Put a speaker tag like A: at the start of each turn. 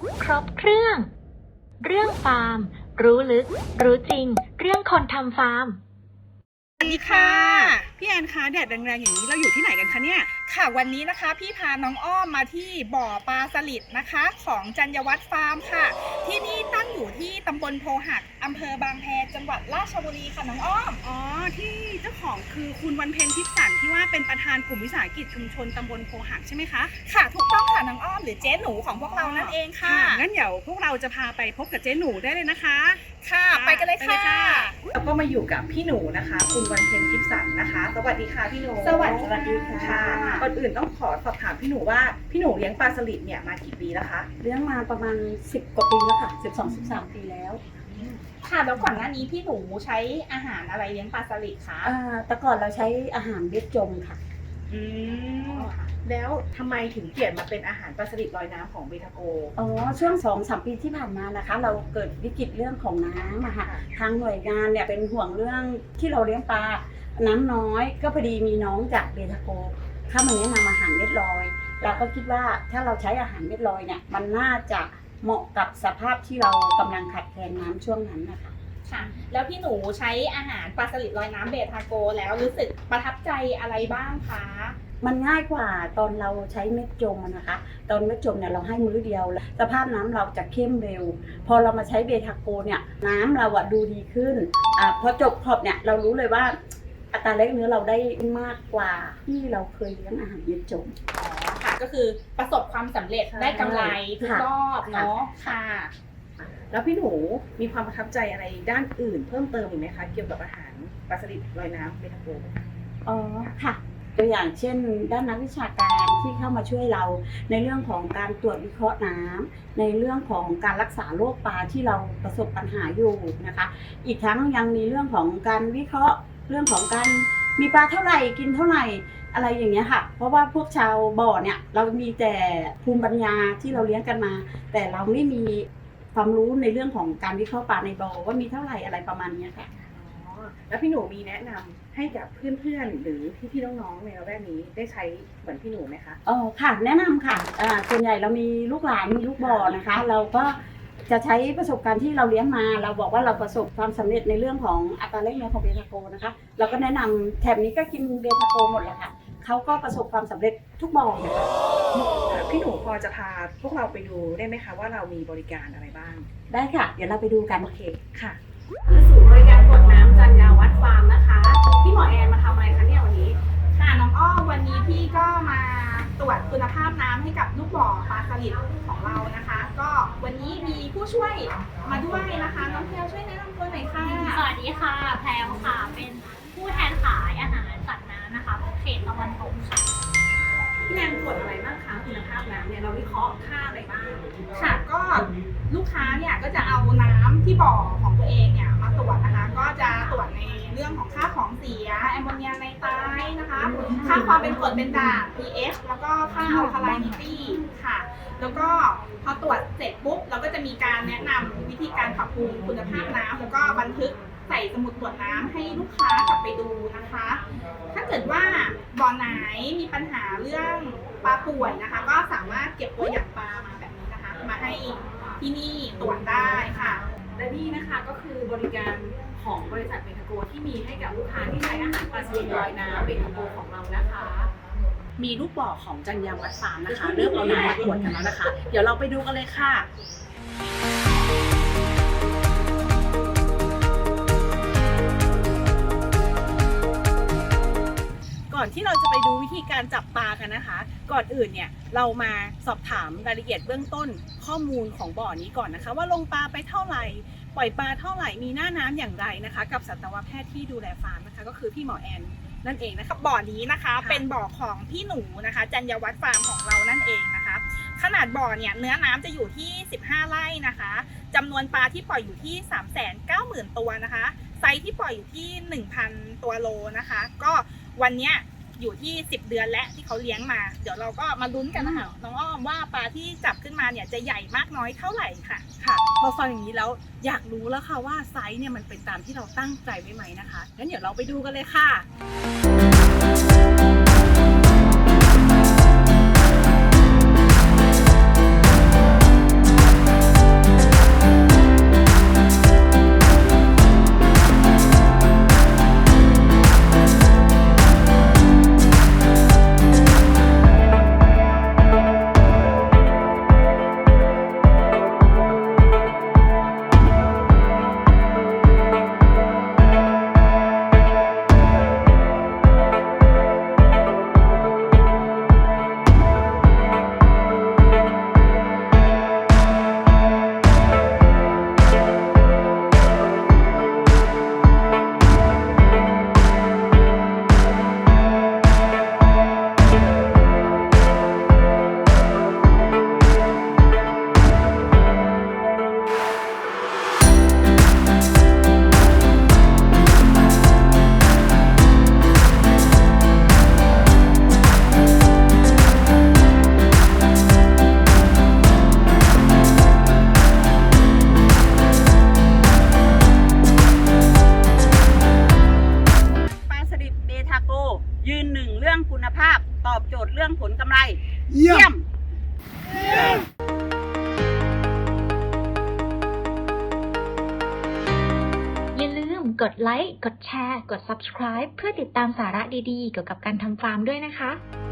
A: ครบเครื่อง เรื่องฟาร์ม รู้ลึก รู้จริง เรื่องคนทำฟาร์ม
B: สวัสดีค่ะพี่แอนคะแดดแรงๆอย่างนี้เราอยู่ที่ไหนกันคะเนี่ยค่ะวันนี้นะคะพี่พาน้องอ้อมมาที่บ่อปลาสลิดนะคะของจัญญวัฒน์ฟาร์มค่ะที่นี่ตั้งอยู่ที่ตำบลโพหักอำเภอบางแพจังหวัดราชบุรีค่ะน้องอ้อมอ๋อที่เจ้าของคือคุณวันเพ็ญทิพย์สันที่ว่าเป็นประธานกลุ่มวิสาหกิจชุมชนตำบลโพหักใช่ไหมคะค่ะถูกต้องค่ะน้องอ้อมหรือเจ๊หนูของพวกเรานั่นเองค่ะงั้นเดี๋ยวพวกเราจะพาไปพบกับเจ๊หนูได้เลยนะคะค่ะไปกันเลยค่ะแล้วก็มาอยู่กับพี่หนูนะคะคุณวันเพ็ญทิพย์สันนะคะสวัสดีค่ะพี่หนูสวัสดีค่ะก่อนอื่นต้องขอสอบถามพี่หนูว่าพี่หนูเลี้ยงปลาสลิดเนี่ยมากี่ปีแล้วคะ
C: เลี้ยงมาประมาณ10 กว่าปีแล้วค่ะ12-13 ปีแล้ว
B: ค่ะแล้วก่อนหน้านี้พี่หนูใช้อาหารอะไรเลี้ยงปลาสลิดคะ
C: แต่ก่อนเราใช้อาหารเบ็ดจมค่ะ
B: แล้วทำไมถึงเปลี่ยนมาเป็นอาหารปลาสลิดลอยน้ำของเบทาโก
C: ช่วง 2-3 ปีที่ผ่านมานะคะเราเกิดวิกฤตเรื่องของน้ำอะค่ะทางหน่วยงานเนี่ยเป็นห่วงเรื่องที่เราเลี้ยงปลาน้ำน้อยก็พอดีมีน้องจากเบทาโกเข้ามาแนะนำอาหารเม็ดลอยเราก็คิดว่าถ้าเราใช้อาหารเม็ดลอยเนี่ยมันน่าจะเหมาะกับสภาพที่เรากำลังขาดแคลนน้ำช่วงนั้นนะคะ
B: ค่ะแล้วพี่หนูใช้อาหารปลาสลิดลอยน้ำเบทาโกแล้วรู้สึกประทับใจอะไรบ้างคะ
C: มันง่ายกว่าตอนเราใช้เม็ดจมนะคะตอนเม็ดจมเนี่ยเราให้มื้อเดียวสภาพน้ำเราจะเข้มเร็วพอเรามาใช้เบทาโกเนี่ยน้ำเราดูดีขึ้นพอจบขอบเนี่ยเรารู้เลยว่าอัตราแลกเนื้อเราได้มากกว่าที่เราเคยเลี้ยงอาหารเม็ดจม
B: ค่ะก็คือประสบความสำเร็จได้กำไรทุกรอบเนาะค่ะแล้วพี่หนูมีความประทับใจอะไรด้านอื่นเพิ่มเติมอีกไหมคะเกี่ยวกับอาหารปลาสลิดลอยน้ำเบทาโก
C: ค่ะตัวอย่างเช่นด้านนักวิชาการที่เข้ามาช่วยเราในเรื่องของการตรวจวิเคราะห์น้ำในเรื่องของการรักษาโรคปลาที่เราประสบปัญหาอยู่นะคะอีกทั้งยังมีเรื่องของการวิเคราะห์เรื่องของการมีปลาเท่าไหร่กินเท่าไหร่อะไรอย่างเงี้ยค่ะเพราะว่าพวกชาวบ่อเนี่ยเรามีแต่ภูมิปัญญาที่เราเลี้ยงกันมาแต่เราไม่มีความรู้ในเรื่องของการวิเคราะห์ปลาในบ่อว่ามีเท่าไหร่อะไรประมาณนี้ค่ะ
B: แล้วพี่หนูมีแนะนำให้กับเพื่อนๆหรือพี่ๆน้องๆในละแวกนี้ได้ใช้เหมือนพี่หนูไหมคะ
C: ค่ะแนะนำค่ะส่วนใหญ่เรามีลูกหลานมีลูกบ่อนะคะเราก็จะใช้ประสบการณ์ที่เราเลี้ยงมาเราบอกว่าเราประสบความสำเร็จในเรื่องของอัตราแลกเนื้อของเบทาโกนะคะเราก็แนะนำแถบนี้ก็กินเบทาโกหมดแล้วค่ะเขาก็ประสบความสำเร็จทุกบ่อนะคะ
B: พี่หนูพอจะพาพวกเราไปดูได้ไหมคะว่าเรามีบริการอะไรบ้าง
C: ได้ค่ะเดี๋ยวเราไปดูกัน
B: โอเคค่ะ
D: คือศูนย์บริการกดน้ำจัญญาวัฒน์ฟาร์มนะคะพี่หมอแอนมาทำอะไรคะเนี่ยวันนี้
B: ค่ะน้องอ้อมวันนี้พี่ก็มาตรวจคุณภาพน้ำให้กับลูกบ่อปลาสลิดของเรานะคะก็วันนี้มีผู้ช่วยมาด้วยนะคะน้องแพรวช่วยแนะนำตัวหน่อยค่ะ
E: สวัสดีค่ะแพรวค่ะเป็นผู้แทนขายอาหารสัตว์น้ำนะคะเขตตะวันตกค่ะ
D: พี่แอนตรวจอะไรบ้างคะคุณภาพน้ำเนี่ยเราวิเคราะห์ค่าอะไรบ้าง
B: ค่ะก็ลูกค้าเนี่ยก็จะเอาน้ำที่บ่อของตัวเองเนี่ยมาตรวจนะคะก็จะตรวจในเรื่องของค่าของเสียแอมโมเนียไนไตรท์นะคะค่าความเป็นกรดเป็นด่าง pH แล้วก็ค่าอัลคาไลนิตี้ค่ะแล้วก็พอตรวจเสร็จปุ๊บเราก็จะมีการแนะนำวิธีการปรับปรุงคุณภาพน้ำแล้วก็บันทึกใส่สมุดตรวจน้ำให้ลูกค้ากลับไปดูนะคะถ้าเกิดว่าบ่อไหนมีปัญหาเรื่องปลาป่วยนะคะก็สามารถเก็บตัวอย่างปลามาแบบนี้นะคะมาให้ที่นี่ตรวจได้ค่ะ
D: และนี่นะคะก็คือบริการของบริษัทเบทาโกที่มีให้กับลูกค้าที่ใช้อาหารปลาสลิดลอยน้ำเบทาโกของเรานะคะ
B: มีลูกบ่อของจัญญาวัฒน์ฟาร์มนะคะเริ่มเอาน้ำมาตรวจกันแล้วนะคะเดี๋ยวเราไปดูกันเลยค่ะก่อนที่เราจะไปดูวิธีการจับปลากันนะคะก่อนอื่นเนี่ยเรามาสอบถามรายละเอียดเบื้องต้นข้อมูลของบ่อนี้ก่อนนะคะว่าลงปลาไปเท่าไหร่ปล่อยปลาเท่าไหร่มีหน้าน้ำอย่างไรนะคะกับสัตวแพทย์ที่ดูแลฟาร์มนะคะก็คือพี่หมอแอนนั่นเองนะคะบ่อนี้นะคะเป็นบ่อของพี่หนูนะคะจัญญวัฒน์ฟาร์มของเรานั่นเองนะคะขนาดบ่อเนี่ยเนื้อน้ำจะอยู่ที่15ไร่นะคะจำนวนปลาที่ปล่อยอยู่ที่390,000 ตัวนะคะไซส์ที่ปล่อยอยู่ที่ 1,000 ตัวโลนะคะก็วันเนี้ยอยู่ที่10 เดือนและที่เขาเลี้ยงมาเดี๋ยวเราก็มาลุ้นกันนะคะน้องอ้อมว่าปลาที่จับขึ้นมาเนี่ยจะใหญ่มากน้อยเท่าไหร่ค่ะค่ะพอฟังอย่างนี้แล้วอยากรู้แล้วค่ะว่าไซส์เนี่ยมันเป็นตามที่เราตั้งใจไว้ไหมนะคะงั้นเดี๋ยวเราไปดูกันเลยค่ะ
C: ยืนหนึ่งเรื่องคุณภาพตอบโจทย์เรื่องผลกำไร
F: เยี่ยม
A: อย่าลืมกดไลค์ กดแชร์ กด subscribe เพื่อติดตามสาระดีๆ เกี่ยวกับการทำฟาร์มด้วยนะคะ